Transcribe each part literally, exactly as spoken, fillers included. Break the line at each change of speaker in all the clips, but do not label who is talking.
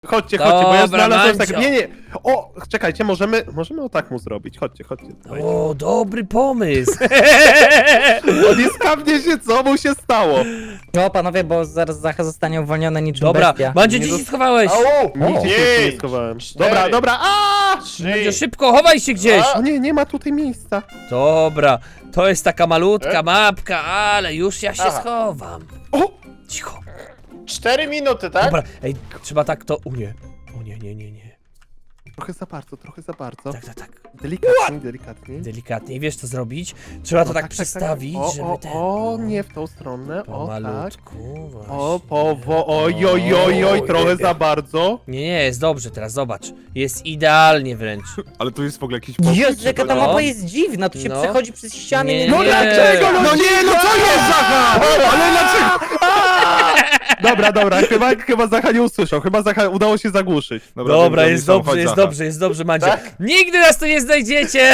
Chodźcie, chodźcie, bo ja
Dobra,
znalazłem
Mancio.
tak. Nie, nie. O, czekajcie, możemy. Możemy o tak mu zrobić. Chodźcie, chodźcie. Dawajcie.
O, dobry pomysł.
On jest kawnie się, co mu się stało?
No panowie, bo zaraz Zacha zostanie uwolniony niczym
Dobra,
bestia.
Mandzio,
Nie
gdzie się
dost-
schowałeś?
Au!
Nigdzie się jeszcze nie
Pięć,
schowałem.
cztery,
Dobra, dobra. A!
Mandzio,
trzy,
szybko, chowaj się gdzieś.
dwa.
O nie, nie ma tutaj miejsca.
Dobra, to jest taka malutka
E?
mapka, ale już ja się
Aha.
schowam.
O!
Cicho.
cztery minuty, tak?
Dobra, ej, trzeba tak to... O nie, o nie, nie, nie, nie.
Trochę za bardzo, trochę za bardzo.
Tak, tak, tak.
Delikatnie, delikatnie.
Delikatnie, wiesz co zrobić? Trzeba to
O,
tak przestawić,
O,
żeby
o,
ten...
o, nie w tą stronę. O, tak.
Pomalutku, właśnie.
O, powo, oj, oj, oj, oj, trochę za bardzo.
Nie, nie, jest dobrze, teraz zobacz. Jest idealnie wręcz.
Ale tu jest w ogóle jakiś
Jezu, jaka ta
No.
mapa jest dziwna, tu się
No.
przechodzi przez ściany.
Nie,
Nie,
No
nie.
dlaczego?
No nie, no co jest, Zacha? Ale dlaczego?
Dobra, dobra, chyba, chyba Zacha nie usłyszał, chyba Zacha udało się zagłuszyć.
Dobra,
wiem,
jest
gdzie oni są,
dobrze,
chodź,
jest
Zacha.
dobrze, jest dobrze, Mandzio.
Tak?
Nigdy nas tu nie znajdziecie!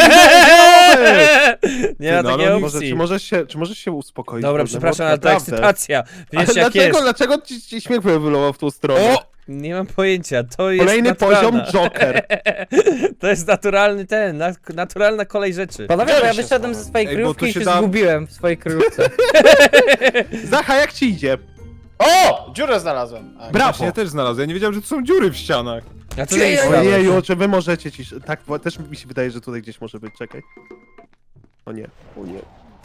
Nie ma
Ty, no,
takiej
ale
Może,
opcji.
czy, możesz się, czy możesz się uspokoić?
Dobra,
Kurde,
przepraszam,
bo
ale to
naprawdę.
ekscytacja.
Ale
Wiesz jak
dlaczego,
jest.
dlaczego ci, ci śmiech wylował w tą stronę?
O! Nie mam pojęcia, to jest
Kolejny
naturalna.
poziom Joker.
To jest naturalny ten, nat- naturalna kolej rzeczy.
Panowie, bo ja
Gdzie się
wyszedłem ze swojej
Ej, bo
kryjówki
tu
i
się
się
da-
zgubiłem w swojej kryjówce.
Zacha, jak ci idzie?
O! Dziurę znalazłem. A,
Brawo.
Właśnie ja też znalazłem, ja nie wiedziałem, że tu są dziury w ścianach.
A co ty myślałeś?
Ojeju, czy wy możecie ci... Tak, bo też mi się wydaje, że tutaj gdzieś może być, czekaj. O nie, o nie.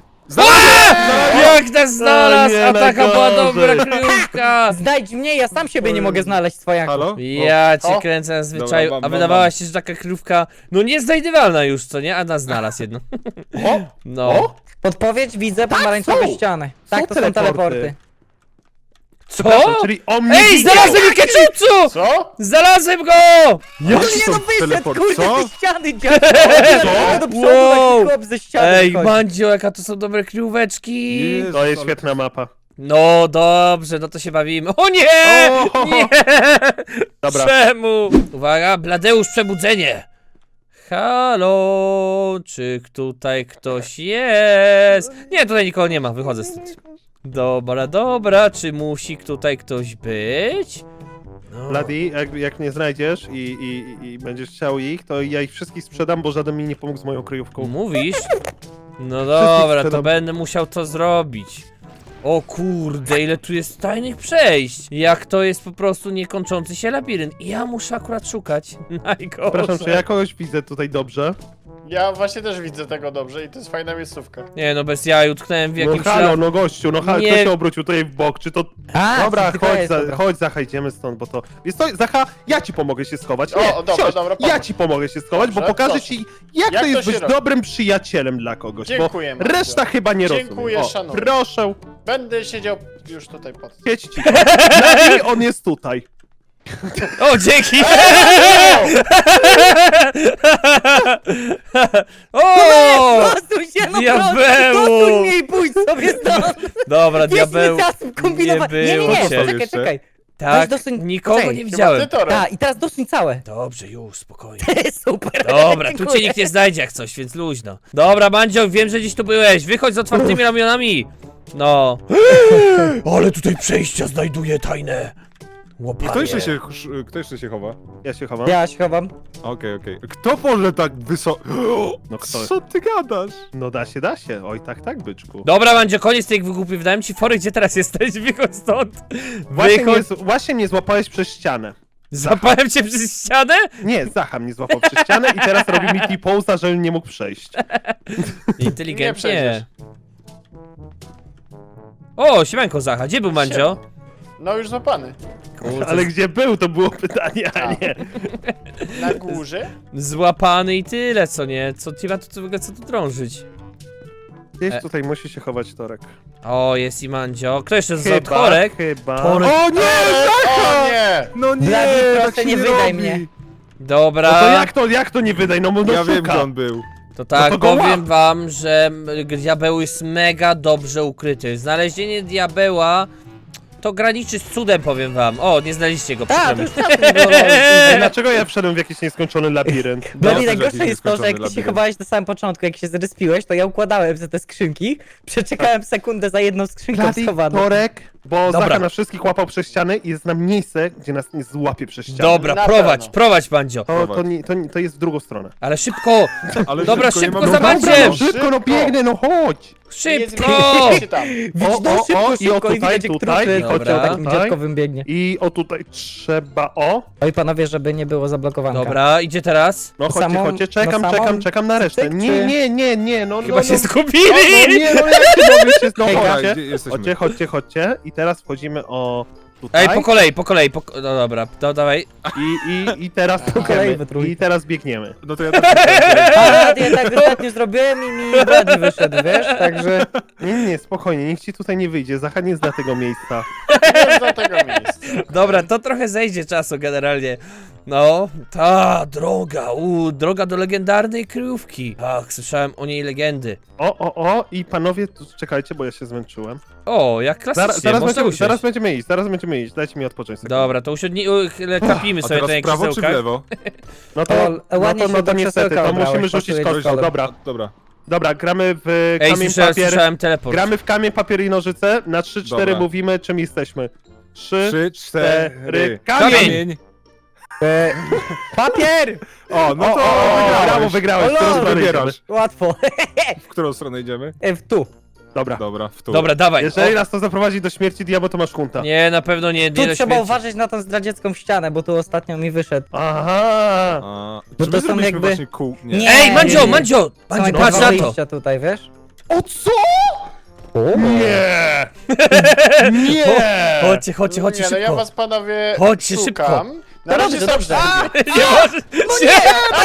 Jak nas znalazł,
nie,
a taka była
najgorzej.
dobra kryjówka!
Znajdź mnie, ja sam siebie nie mogę znaleźć swojego.
Halo?
Ja cię
O.
kręcę na zwyczaju,
Dobra, mam,
a
mam,
wydawałaś
mam.
się, że taka kryjówka, no nieznajdywalna już, co nie? A nas znalazł jedno.
O!
No.
O!
Podpowiedź, widzę pomarańczowe
są.
ściany.
Są
Tak, to są
teleporty.
teleporty.
Co?
Przepraszam, czyli o mnie
Ej,
widział!
znalazłem Ikeczucu!
Co?
Znalazłem go!
No
Jaki
nie,
są
no wyszedł,
teleport-
kurde,
co?
ze ściany, dziadek! Do przodu,
Wow.
taki chłop ze ściany
Ej,
wychodzi.
Mandzio, jaka to są dobre kryjóweczki!
Jezu,
To jest
ale-
świetna mapa.
No dobrze, no to się bawimy. O nie!
O!
Nie!
Dobra.
Czemu? Uwaga, Bladeusz, przebudzenie! Halo, czy tutaj ktoś jest? Nie, tutaj nikogo nie ma, wychodzę stąd. Dobra, dobra, czy musi tutaj ktoś być? No.
Bloody, jak, jak mnie znajdziesz i, i, i będziesz chciał ich, to ja ich wszystkich sprzedam, bo żaden mi nie pomógł z moją kryjówką.
Mówisz? No dobra, to
sprzedam.
będę musiał to zrobić. O kurde, ile tu jest tajnych przejść. Jak to jest po prostu niekończący się labirynt. I ja muszę akurat szukać. Najgorzej.
Przepraszam, czy ja kogoś widzę tutaj dobrze?
Ja właśnie też widzę tego dobrze i to jest fajna miejscówka.
Nie no, bez jaj, utknąłem w
No
jakimś...
halo,
la-
no gościu, no halo,
Nie.
kto się obrócił tutaj w bok, czy to...
A,
Dobra,
tylko
chodź,
jest,
za,
dobra.
chodź Zacha, idziemy stąd, bo to... Jest to, Zacha, ja ci pomogę się schować. Nie,
O, dobra,
siądź,
dobra,
ja
pomóż.
ci pomogę się schować, bo
Dobrze,
pokażę
proszę.
ci, jak,
Jak
to
to
jest
się
być
robi?
dobrym przyjacielem dla kogoś,
Dziękuję,
bo
Mandzio.
reszta chyba nie rozumie.
Dziękuję,
O,
szanuję.
proszę,
Będę siedział już tutaj pod...
siedź ci. Bloody, on jest tutaj.
O, dzięki! o!
Prostuj się, no
Diabeł!
prostuj mnie i pójdź sobie stąd!
Dobra,
Jest
diabeł.
mi czas kombinować.
nie
Nie, nie,
było
nie,
cię.
czekaj, czekaj.
Tak,
Weź dosuń-
nikogo
poczekaj,
nie
chyba
widziałem.
Ty torem.
Tak, i teraz dosuń całe.
Dobrze, już, spokojnie.
Super.
Dobra, tu cię
Dziękuję.
nikt nie znajdzie jak coś, więc luźno. Dobra, Mandzio, wiem, że dziś tu byłeś. Wychodź z otwartymi ramionami. No. Ale tutaj przejścia znajduję tajne.
I
Łopanie.
kto jeszcze się, kto jeszcze się chowa?
Ja się chowam.
Ja się chowam.
Okej, okej. Kto może tak wysoko...
No kto?
Co ty gadasz?
No da się, da się. Oj, tak, tak, byczku.
Dobra, Mandzio, koniec tych wygłupów. Dałem ci fory, gdzie teraz jesteś. Wychodź stąd.
Właśnie mnie,
Wychodź.
z- właśnie mnie złapałeś przez ścianę.
Zapałem cię przez ścianę?
Nie, Zacha mnie złapał przez ścianę i teraz robi mi T-posa, żebym nie mógł przejść.
Nie
Inteligentnie.
przejdziesz.
O, siemanko Zacha, gdzie był Mandzio?
No już złapany.
Kurczę,
Ale gdzie był, to było pytanie, a nie.
Na górze?
złapany i tyle, co nie? Co ci ma tu, co, w ogóle, co tu drążyć?
Gdzieś
E.
tutaj musi się chować Torek.
O, jest i Mandzio. Kto jeszcze z Torek?
chyba.
Torek.
O nie!
O nie!
No nie,
Blady, proszę,
tak się
nie
nie
wydaj
robi.
mnie.
Dobra.
No to jak to, jak to nie wydaj, no bo no
Ja wiem,
szuka.
gdzie on był.
To tak,
No to go
powiem
łap.
wam, że m, diabeł jest mega dobrze ukryty. Znalezienie diabeła to graniczy z cudem, powiem wam. O, nie znaleźliście go,
Tak,
przykro
to
mi.
już tam było.
Ej, dlaczego ja wszedłem w jakiś nieskończony labirynt?
Blady,
No,
najgorsze
jakiś
jest to, że jak ty się
nieskończony
chowałeś na samym początku, jak się zrespiłeś, to ja układałem za te skrzynki, przeczekałem sekundę za jedną skrzynką
Blady,
schowaną.
Torek, Bo
Dobra.
Zacha na wszystkich łapał przez ściany i jest nam miejsce, gdzie nas nie złapie przez ściany.
Dobra,
Na
prowadź,
pewno.
prowadź, Bandzio.
To, to, nie, to, nie, to jest w drugą stronę.
Ale szybko,
Ale
Dobra,
szybko, nie
szybko
mamy
za
czasu.
Bandziem.
no szybko, no biegnę, no chodź!
szybko!
Nie zmieści tam.
O,
No,
o,
szybko,
o, i o
szybko, i
tutaj,
widać, jak
tutaj,
trupy
i chodźcie
Dobra.
o
takim
tutaj.
dziadkowym biegnie.
I o tutaj trzeba, o!
Oj panowie, żeby nie było zablokowanka.
Dobra, idzie teraz.
No chodźcie,
Samą-
chodźcie, czekam,
na samą-
czekam, czekam na resztę.
cyk,
Nie,
czy-
nie, nie, nie, no
Chyba
no,
się
no,
zgubili!
O, no nie, no jak się mówisz, jest, no
Hej,
Dobra,
chodźcie.
gdzie jesteśmy?
Chodźcie, chodźcie, chodźcie. I teraz wchodzimy o tutaj.
Ej, po kolei, po kolei, po... ko- No dobra, to dawaj.
I, i, I teraz
kolei
biegniemy.
we trójkę.
I teraz biegniemy.
No to ja tak
A, ja tak ostatnio zrobiłem i mi Brady wyszedł, wiesz, także...
Nie, nie, nie, spokojnie, nikt ci tutaj nie wyjdzie. Zacha nie zna tego miejsca.
Nie do tego miejsca.
Dobra, to trochę zejdzie czasu generalnie. No, ta droga, u, droga do legendarnej kryjówki. Ach, słyszałem o niej legendy.
O, o, o, i panowie, tu czekajcie, bo ja się zmęczyłem.
O, jak klasycznie,
Zaraz, zaraz,
można
będziemy,
usiąść.
zaraz będziemy iść, zaraz będziemy iść. Dajcie mi odpocząć sekundę.
Dobra, to usiądnij, u, chyle- kapimy
A
sobie
teraz
tutaj
w prawo czy w
krzesełkach.
lewo?
No to,
O,
no
ładnie
to,
się
no to
do
niestety,
krzesełka
to
obrałeś,
musimy rzucić
pasuje
kostką.
kolor.
Dobra,
Dobra.
dobra, gramy w
Ej,
kamień,
słyszałem,
papier.
słyszałem teleport.
Gramy w kamień, papier i nożyce. Na trzy cztery
Dobra.
mówimy, czym jesteśmy. Trzy,
Trzy,
cztery,
cztery.
kamień!
Kamień!
E, papier!
O, no
O,
to
o, o,
wygrałeś.
brawo, wygrałeś.
O,
W którą
lol.
stronę idziemy?
Wybierasz.
Łatwo.
W którą stronę idziemy?
E, w tu.
Dobra.
Dobra, w tu.
Dobra, dawaj.
Jeżeli
O,
nas to zaprowadzi do śmierci diabła, to masz hunta.
nie, na pewno nie, nie
Tu
do
trzeba
śmierci.
uważać na tą zdradziecką ścianę, bo tu ostatnio mi wyszedł.
Aha!
A,
Bo
czy
to
my
są
zrobiliśmy
jakby-
właśnie kół? Nie.
Nie.
Ej, Mandzio,
nie.
Mandzio!
Są
Mandzio,
jakby
patrz
dwa
na to!
wyjścia tutaj, wiesz?
O co?
O,
Nie! Nie!
Chodźcie, chodźcie, chodźcie
Nie, no ja
szybko.
was panowie
Chodźcie
szukam.
szybko.
Na razie
dobrze,
są
dobrze.
cztery.
Nie możesz się...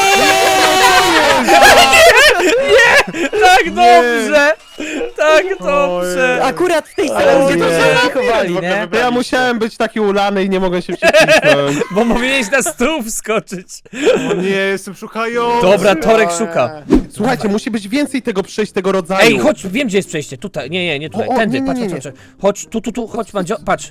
Nie! Tak dobrze! Tak dobrze!
Akurat w tej
Ale
sali, gdzie
nie.
to się chowali,
W ogóle
nie?
To ja musiałem być taki ulany i nie mogłem się przecisnąć.
Bo powinieneś na stół wskoczyć.
O nie, jestem szukający.
Dobra, Torek
O,
szuka.
Słuchajcie, musi być więcej tego przejść tego rodzaju.
Ej, chodź, wiem gdzie jest przejście. Tutaj, nie, nie, nie tutaj.
O, o,
Tędy,
nie,
patrz,
nie,
patrz,
nie.
patrz. Chodź, tu, tu, tu, chodź, Mandzio, patrz.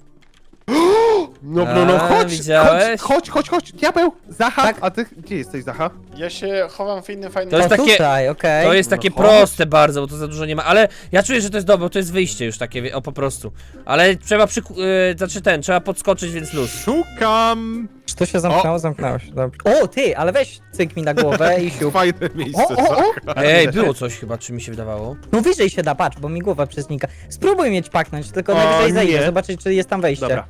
No, no, no,
A,
chodź,
widziałeś?
chodź, chodź, chodź, chodź, diabeł, Zacha,
Tak.
a ty, gdzie jesteś, Zacha?
Ja się chowam w innym fajnym
To jest
O,
takie-
tutaj, okej.
To jest
No
takie
chodź.
proste bardzo, bo to za dużo nie ma, ale ja czuję, że to jest dobre, bo to jest wyjście już takie, wie- o po prostu. Ale trzeba przy... Yy, znaczy ten, trzeba podskoczyć, więc luz.
Szukam.
Czy to się zamknęło? Zamknęło się, dobrze. O, ty, ale weź cyk mi na głowę i siup.
Fajne miejsce.
O, o, o!
Ej, było coś chyba, czy mi się wydawało.
No wyżej się da, patrz, bo mi głowa przeznika. Spróbuj mieć paknąć, tylko
O,
najwyżej zejdę,
nie.
zobaczyć, czy jest tam wejście.
Dobra.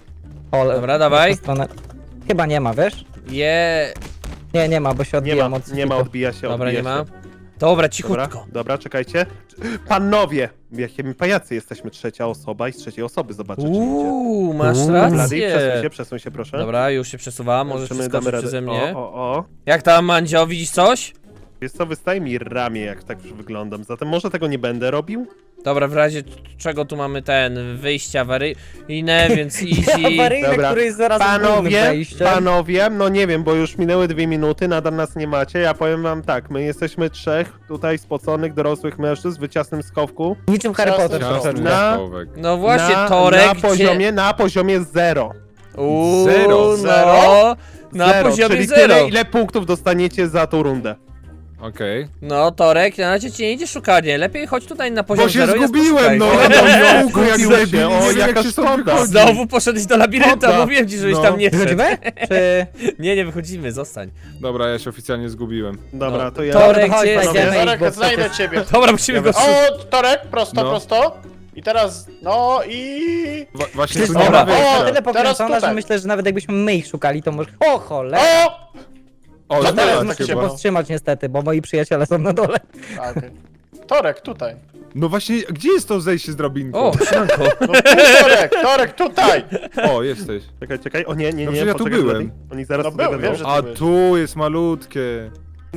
O, ale-
Dobra, dawaj.
w tę stronę. Chyba nie ma, wiesz?
Je...
Nie, nie ma, bo się
Nie
odbijam
ma,
od
nie ma,
sufitu.
odbija się,
Dobra,
odbija
nie ma.
się.
Dobra,
Dobra,
cichutko.
dobra, czekajcie. Panowie, jakie my pajacy jesteśmy, trzecia osoba i z trzeciej osoby zobaczę, czy idzie.
Uuu, masz
Uuu.
Blady,
rację.
przesuń się, przesuń się, proszę.
Dobra, już się przesuwam, możesz
Zobaczymy,
przeskoczyć
damy
przeze
radę.
mnie.
O, o, o.
Jak tam, Mandzio, widzisz coś?
Wiesz co, wystaje mi ramię, jak tak już wyglądam, zatem może tego nie będę robił?
Dobra, w razie czego tu mamy ten, wyjście awaryjne, więc easy.
Awaryjny,
Dobra.
który jest zaraz głównym
Panowie,
wejściem.
panowie, no nie wiem, bo już minęły dwie minuty, nadal nas nie macie, ja powiem wam tak, my jesteśmy trzech tutaj spoconych, dorosłych mężczyzn w ciasnym schowku.
Niczym Harry
Ciasny
Potter.
schowek.
troszeczkę.
Na-
Schowek.
No właśnie,
na,
Torek,
na
gdzie...
poziomie, na poziomie zero.
Uuu,
Zero.
no,
Zero?
na
zero,
poziomie
czyli
zero.
tyle, ile punktów dostaniecie za tą rundę.
Okej.
No, Torek, na razie ci nie idzie szukanie. Lepiej chodź tutaj na poziom
Bo się
zero i nas
zgubiłem, no!
poszukaj.
Ja w kółku jak
Zgubiłem
debil,
się,
nie
o,
wiem, jak
jaka
się stąd
szkoda.
wychodzi.
Znowu poszedłeś do labiryntu, a
Szkoda.
mówiłem ci, żebyś
No.
tam nie szedł.
Wychodzimy? Czy...
Nie, nie wychodzimy, zostań.
Dobra, ja się oficjalnie zgubiłem.
Dobra,
No,
to ja...
Torek,
Chodź,
gdzie jest?
znajdziemy ich,
Torek,
bo
znajdę
przecież-
ciebie.
Dobra, musimy go szukać.
O, Torek, prosto,
No.
prosto. I teraz, no i...
Wa właśnie
Przecież
tu nie
Dobra.
ma
ona jest
wyjścia.
tyle
Teraz
pokręcona, że
tutaj.
myślę, że nawet jakbyśmy my ich szukali, to może... O cholera!
O!
O,
To
dobra,
teraz
Muszę
tak
się
chyba.
powstrzymać niestety, bo moi przyjaciele są na dole.
A, okej. Torek, tutaj.
No właśnie, gdzie jest to zejście z drabinką?
O, śnianko.
No tu, Torek, Torek, tutaj.
O, jesteś.
Czekaj, czekaj, o nie, nie,
No
nie,
przecież ja tu
poczekaj,
byłem.
Blady. Oni zaraz
No
tutaj
byłem,
będą.
wiem, że-
A tu jest malutkie.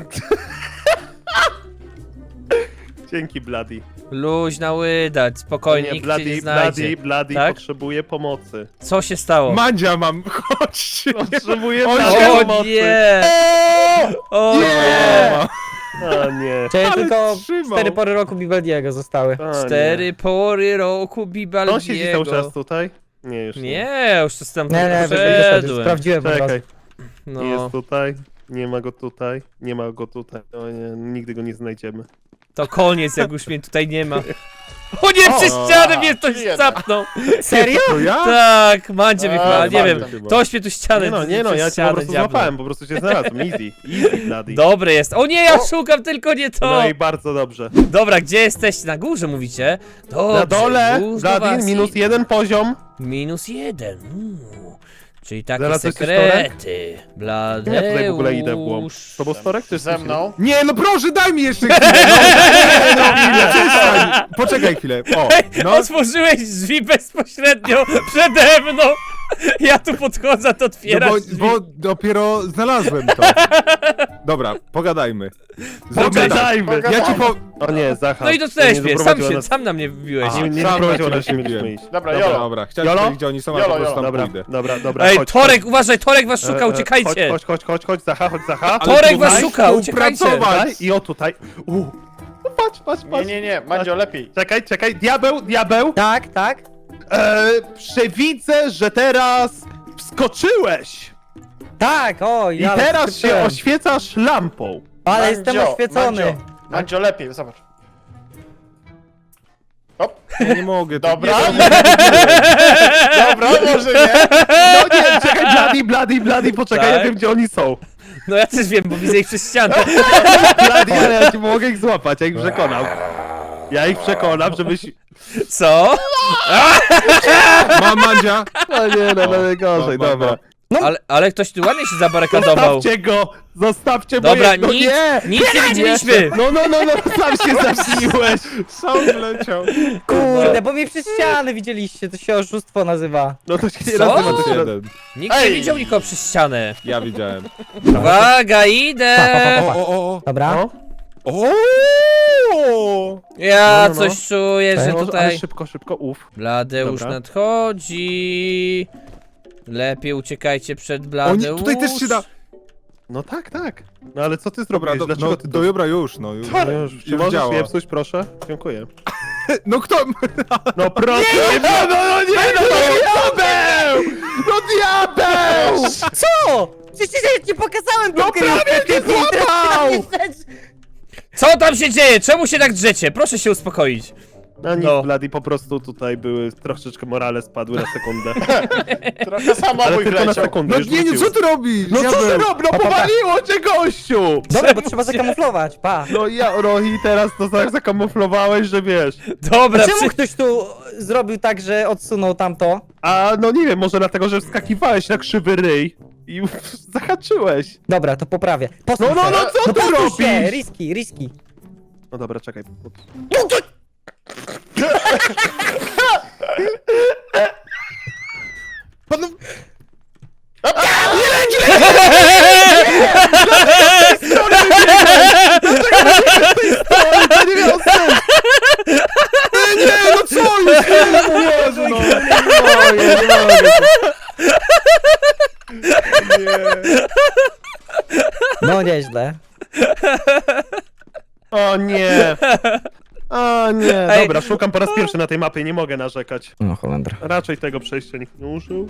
Dzięki, Bloody.
Luźna łydać, spokojnie,
Nie,
nikt cię nie
Bloody,
znajdzie.
Bloody, Bloody
Tak?
potrzebuje pomocy.
Co się stało?
Mandzia mam, chodźcie.
Potrzebuje
O,
Bloody
nie.
O
pomocy.
nie! O nie!
O nie.
Czyli
Ale
tylko
trzymał.
cztery pory roku Bibaldiego zostały.
O,
Cztery
nie.
pory roku
To on siedzi cały czas
Bibaldiego.
tutaj? Nie, już nie.
Nie, już to tam
Nie, nie, wyszedł,
poszedłem.
sprawdziłem po prostu.
Czekaj,
No,
jest tutaj, nie ma go tutaj, nie ma go tutaj. O nie, nigdy go nie znajdziemy.
To koniec, jak już mnie tutaj nie ma. O nie, przez ścianę mnie ktoś
jeden.
zapnął.
Serio?
To ja?
Tak, Mandzie mnie
A,
chyba, nie wiem.
Mandzie
chyba.
Ktoś mnie tu ścianę
Nie no, nie no,
przez
ja cię po
ścianę
prostu
dziabnął.
złapałem, po prostu cię znalazłem. Easy, easy, bloody.
Dobry jest. O nie, ja
O!
szukam tylko nie to.
No i bardzo dobrze.
Dobra, gdzie jesteście? Na górze mówicie? Dobrze,
Na dole,
już do
Bloody,
was
minus
i-
jeden poziom.
Minus jeden. Uuu. Czyli takie
Zaraz coś
sekrety. Bladeusz.
Ja tutaj w ogóle idę w głąb. Z tobą storek czy
Ze mną?
Nie, no proszę, daj mi jeszcze chwilę. No, no, chwilę. Przestań. Poczekaj chwilę. O, no.
Otworzyłeś drzwi bezpośrednio przede mną. Ja tu podchodzę, to
No
otwierasz
bo,
drzwi.
bo dopiero znalazłem to. Dobra, pogadajmy. Zróbmy tak.
Pogadajmy.
Ja ci po...
O nie, Zacha.
No i to
nie
też mnie, sam
doprowadziła
się,
nas-
sam na mnie wbiłeś.
Aha.
Nie, nie
Sam
doprowadziła
na
nas,
ciebie
nie mieliśmy
wbiłem.
iść.
Dobra,
Dobra,
Jolo.
Dobra, chciałem
Jolo?
powiedzieć, gdzie oni są, ale
Jolo,
po prostu tam
Dobra,
pójdę.
dobra, dobra.
Ej,
chodź,
Torek, uważaj, Torek was szukał,
E, e,
uciekajcie.
Chodź, chodź, chodź, chodź, chodź, Zacha, chodź, Zacha.
Ale
Torek
tutaj
was szuka, uciekajcie.
współpracować.
Tutaj i o tutaj. U. No patrz, patrz,
Nie,
patrz.
nie, nie, Mandzio, lepiej.
Czekaj, czekaj, diabeł, diabeł.
Tak, tak.
E, przewidzę, że teraz wskoczyłeś.
Tak, o,
I
ja
teraz się
wskoczyłem.
oświecasz lampą.
Ale jestem
Mandzio,
oświecony.
Mandzio, Mandzio, lepiej, zobacz. Hop,
Ja nie mogę. to-
dobra.
Nie, nie, nie.
Dobra, może nie.
No nie, czekaj, Bloody, Bloody, Bloody, poczekaj,
Tak?
ja wiem, gdzie oni są.
No ja też wiem, bo widzę ich przez ścianę.
Bloody, ale ja ci mogę ich złapać, ja ich przekonam. Ja ich przekonam, żebyś...
Co?
Mam Mandzia.
No nie, no, no gorzej,
Ba, ba,
dobra.
ba.
Ale, ale ktoś tu ładnie się zabarykadował.
Zostawcie go! Zostawcie
Dobra,
moje... No
nic,
nie!
nic nie widzieliśmy.
No, no, no, no, sam się zaśniłeś!
Sam wleciał.
Kurde, bo mnie przez ścianę widzieliście, to się oszustwo nazywa.
No to się nie
Co?
nazywa, to się nazywa.
Jeden.
Nikt nie
Ej.
widział nikogo przez ścianę.
Ja widziałem.
Uwaga, idę!
O, o, o,
Dobra.
No,
o. O!
Ja
No, no, no.
coś czuję, że
no, ale
tutaj...
szybko, szybko, uff.
Bladeusz
Dobra.
nadchodzi. Lepiej uciekajcie przed
Oni,
Bladeusz.
tutaj też się da...
No tak, tak. No ale co ty
Dobra,
zrobiłeś?
do,
Dlaczego
no,
ty...
do, dobra, już, no już.
No już, czy
już
możesz
działa.
je psuć, proszę? Dziękuję.
No kto?
No proszę! Nie, no, no, no nie, no, no diabeł! No diabeł!
Co? Przecież ja ci pokazałem tą
No prawie cię złapał!
Co tam się dzieje? Czemu się tak drzecie? Proszę się uspokoić.
No nic,
No.
Bloody, po prostu tutaj były, troszeczkę morale spadły na sekundę.
Trochę
Ale
samobój
tylko na
wleciał.
sekundę,
No
już
nie, nie,
wrócił.
co ty robisz?
No co ty
Diabeł.
robisz? No powaliło cię, gościu!
Dobra, bo trzeba zakamuflować, pa.
No ja, Rohi, teraz to tak zakamuflowałeś, że wiesz.
Dobra,
Czemu
przy...
ktoś tu zrobił tak, że odsunął tamto?
A no nie wiem, może dlatego, że wskakiwałeś na krzywy ryj i zahaczyłeś.
Dobra, to poprawię. Posuń
No, no,
się.
no, co ty
posuń
robisz?
się, riski, riski.
No dobra, czekaj.
Pan...
To nie miało sensu!
Nie, no co jest?
Jezu, no, nie mogę, nie mogę. Nie.
No nieźle.
O nie! O nie,
Ej.
dobra, szukam po raz pierwszy na tej mapie, nie mogę narzekać.
No Holendra.
Raczej tego przejścia nikt nie użył.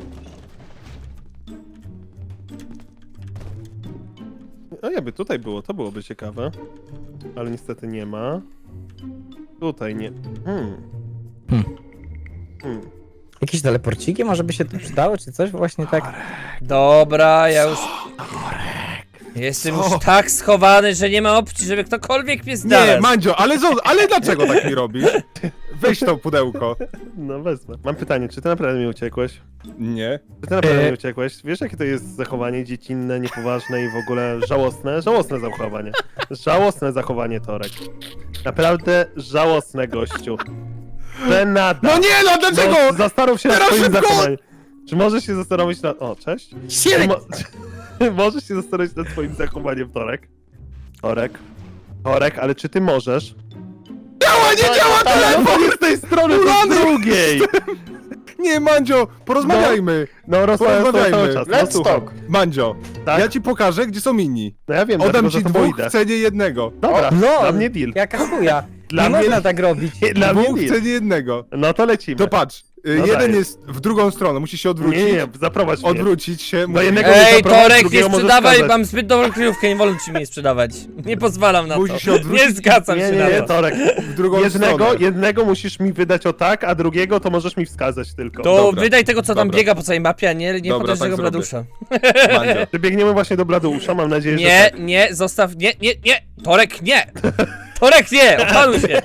A jakby tutaj było, to byłoby ciekawe. Ale niestety nie ma. Tutaj nie. Hmm.
Hmm.
Hmm.
Jakieś teleporciki może by się tu przydały, czy coś właśnie tak?
Dobra, ja już... Jestem już tak schowany, że nie ma opcji, żeby ktokolwiek mnie znalazł.
Nie, Mandzio, ale, zo- ale dlaczego tak mi robisz? Weź to pudełko.
No wezmę. Mam pytanie, czy ty naprawdę mi uciekłeś?
Nie.
Czy ty naprawdę
E.
mi uciekłeś? Wiesz jakie to jest zachowanie dziecinne, niepoważne i w ogóle żałosne? Żałosne zachowanie. Żałosne zachowanie, Torek. Naprawdę żałosne, gościu. Żenada.
No nie, no dlaczego?
No, zastanów się nad
Teraz
swoim
szybko!
zachowaniem. Czy możesz się zastanowić nad... O, cześć. Czy Mo... możesz się zastanowić nad swoim zachowaniem, Torek? Torek? Torek, ale czy ty możesz?
Działa, nie działa telefon!
Telefon jest z tej strony, to z
Ulany!
drugiej!
Nie, Mandzio, porozmawiajmy.
No, rozmawiam
Porozmawiajmy.
cały czas.
Let's
No, słucham.
talk.
Mandzio,
Tak?
ja ci pokażę, gdzie są inni.
No ja wiem,
Oddam
dlatego,
ci
że to
dwóch
idę.
w cenie jednego.
Dobra,
LOL,
dla mnie deal.
Jaka chuja.
Dla
Nie
mnie
można
deal.
tak robić.
Dla mnie
Dwóch w
deal.
cenie jednego.
No to lecimy.
To patrz, Y,
No
jeden
dajesz.
jest w drugą stronę, musisz się odwrócić.
Nie, nie, zaprowadź mnie.
Odwrócić się.
Do
musisz-
jednego
Ej,
zaprowadź,
Torek, nie
drugiego możesz
sprzedawaj,
wskazać.
mam zbyt dobrą kryjówkę, nie wolno ci mnie sprzedawać. Nie pozwalam na to.
Musisz się odwrócić.
Nie zgadzam
Nie,
się
nie,
na
nie,
to.
Torek.
w drugą
Jednego,
stronę.
jednego musisz mi wydać o tak, a drugiego to możesz mi wskazać tylko.
To
Dobra.
wydaj tego, co tam
Dobra.
biega po całej mapie, a nie, nie
Dobra,
potężnego
tak zrobię.
Bladusza.
Mandzio.
Przybiegniemy właśnie do Bladeusza, mam nadzieję, że
Nie,
tak.
nie, zostaw, nie, nie, nie! Torek, nie! Torek, nie! Opanuj się!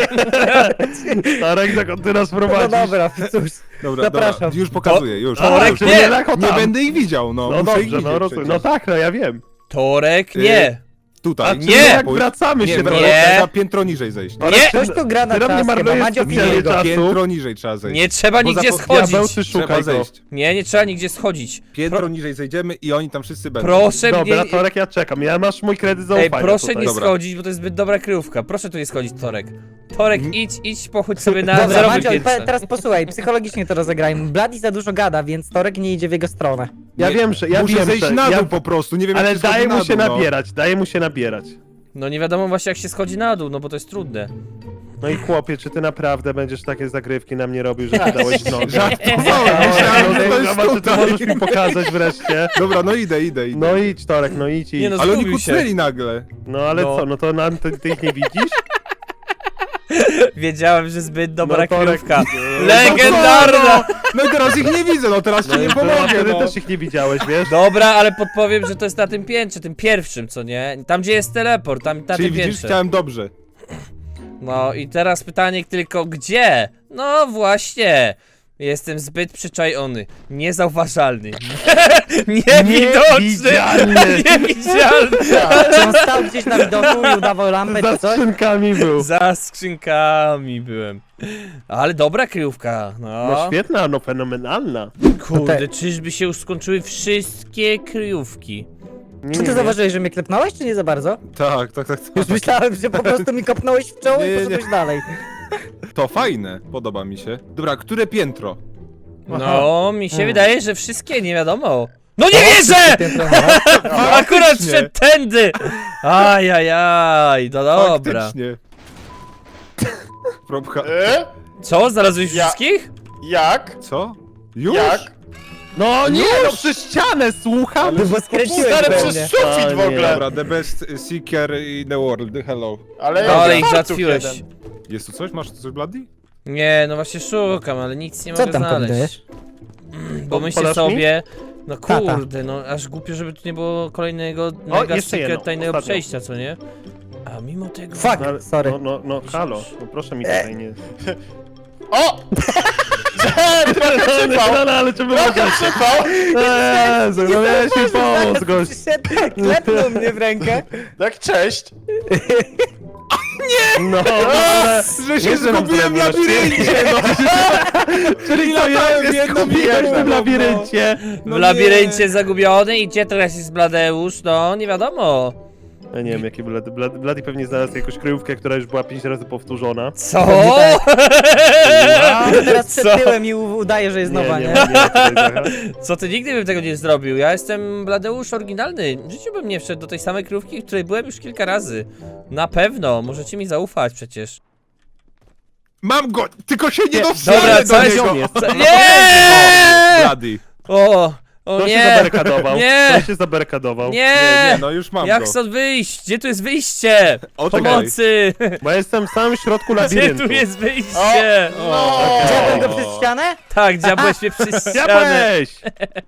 Torek, dokąd ty nas
No
prowadzisz?
dobra, cóż.
Dobra,
Zapraszam.
dobra, już pokazuję, już.
Torek,
już.
nie!
Nie,
Lako
nie
tam.
będę ich widział, no.
No
muszę ich
dobrze,
widzieć
no rozumiem.
przecież.
No tak, no ja wiem.
Torek,
Y,
nie!
Tutaj.
A
nie!
nie, jak
pójdź.
wracamy
Nie,
się
nie,
do...
Nie.
trzeba piętro niżej zejść.
Torek,
Nie.
Ktoś tu gra na
Ty na mnie
czas, chyba
marnujesz
Madzio
specjalnie
bije go.
czas.
Piętro niżej trzeba zejść.
Nie trzeba
Bo
nigdzie
zapo-
schodzić!
Diabeł, ty
Trzeba
szukaj go.
zejść.
Nie, nie trzeba nigdzie schodzić.
Piętro
Pro-
niżej zejdziemy i oni tam wszyscy będą.
Proszę
Dobra,
mnie...
Torek, ja czekam. Ja masz mój kredyt
Ej,
zaufania
proszę
tutaj.
nie
Dobra.
schodzić, bo to jest zbyt dobra kryjówka. Proszę tu nie schodzić, Torek. Torek, idź, idź, pochodź sobie na
Dobra,
zerowym
Madzio, pe-
piętrze.
teraz posłuchaj, psychologicznie to rozegrajmy. Bladi za dużo gada, więc Torek nie idzie w jego stronę.
Ja
Nie,
wiem, że... Ja
Muszę
wiem,
zejść
że,
na dół
ja...
po prostu, nie wiem
Ale
jak się schodzi
daje
na
mu się
dół, no.
nabierać, daje mu się nabierać.
No nie wiadomo właśnie jak się schodzi na dół, no bo to jest trudne.
No i chłopie, czy ty naprawdę będziesz takie zagrywki na mnie robił, że ty dałeś nogę?
Żartowałem, myślałem, że to jest
Zobacz, czy ty
tutaj.
możesz mi pokazać wreszcie.
Dobra, no idę, idę, idę.
No idź, Torek, no idź, idź.
Nie no,
Ale oni
zgubił się.
kucnęli nagle.
No ale
No.
co, no to nam, ty, ty ich nie widzisz?
Wiedziałem, że zbyt dobra
No, Torek,
kryjówka.
no,
Legendarna!
No i teraz ich nie widzę, no teraz ci
No i
nie
to
pomogę,
wtedy
no.
też ich nie widziałeś, wiesz?
Dobra, ale podpowiem, że to jest na tym piętrze, tym pierwszym, co nie? Tam gdzie jest teleport, tam na
Czyli
tym
widzisz,
piętrze.
chciałem dobrze.
No i teraz pytanie tylko gdzie? No właśnie. Jestem zbyt przyczajony, niezauważalny, niewidoczny,
Niewidzialny.
niewidzialny.
Czy on stał gdzieś na widoku i udawał lampę
Za
czy coś?
skrzynkami był.
Za skrzynkami byłem. Ale dobra kryjówka, no.
No świetna, no fenomenalna.
Kurde, czyżby się już skończyły wszystkie kryjówki?
Nie,
Czy
nie,
ty
nie.
zauważyłeś, że mnie klepnąłeś, czy nie za bardzo?
Tak, tak, tak. tak.
Już myślałem, że po prostu mi kopnąłeś w czoło
Nie,
i
nie,
poszedłeś dalej.
To fajne, podoba mi się. Dobra, które piętro?
No, mi się
Hmm.
wydaje, że wszystkie, nie wiadomo. No nie wierzę!
Piętro, no.
Akurat
Faktycznie.
szedł tędy! Ajajaj, no dobra.
Faktycznie. Probka.
E?
Co, znalazłeś
Ja-
wszystkich?
Jak?
Co? Już?
Jak?
No nie, no przez ścianę, słucham!
Bo skręciłeś
Stary,
pewnie.
przez sufit
A,
w
nie.
ogóle.
Dobra, the best seeker in the world, hello.
Ale
No,
ja
ale ich
fartuch
załatwiłeś.
jeden.
Jest tu coś? Masz tu coś, Bloody?
Nie, no właśnie szukam, ale nic nie
Co
mogę
tam
znaleźć.
kombinujesz?
Bo myślę
Podasz mi?
sobie, no
Tata.
kurde, no aż głupio, żeby tu nie było kolejnego mega
jeszcze jedno,
secret tajnego
ostatnio.
przejścia, co nie? A mimo tego...
Fuck.
No, ale-
Sorry.
No, no, no, halo, no proszę mi tutaj nie...
O! Trochę przypał!
No, no, ale czy wy
Trochę
możecie?
przypał!
Jezu, no miałeś mi pomóc, gość.
Przyszedł, klepnął mnie w rękę.
Tak, cześć!
No, ale...
Że się
Nie, że nam
zgubiłem w
zrobiłeś
labiryncie, no.
Czyli to ja
latałem w
się
jedną
skupiłem w
minutę,
tym
no.
labiryncie.
No
W labiryncie zagubiony i gdzie teraz jest Bladeusz? No, nie wiadomo.
Ja nie wiem, jaki Blady, Blady, Blady pewnie znalazł jakąś kryjówkę, która już była pięć razy powtórzona.
Co?
Teraz przed
Co?
tyłem i u- udaje, że jest nowa, nie?
nie, nie, nie,
Co ty nigdy bym tego nie zrobił? Ja jestem Bladeusz oryginalny. W życiu bym nie wszedł do tej samej krówki, w której byłem już kilka razy. Na pewno, możecie mi zaufać przecież.
Mam go, tylko się nie
Nie,
dostrzelę
dobra,
do
co
niego.
jest-
Co-
Co?
O,
Nie!
Bloody.
O! O
Kto się
nie!
zabarykadował?
Nie!
Kto się zabarykadował?
Nie,
Nie!
nie, no już mam
Jak
go.
stąd wyjść? Gdzie tu jest wyjście?
O, czekaj.
Pomocy!
Bo ja jestem w samym środku
Gdzie
labiryntu.
tu jest wyjście?
No!
Chciałbym go przez ścianę?
Tak, dziabłeś mnie przez ścianę.
Diabłeś!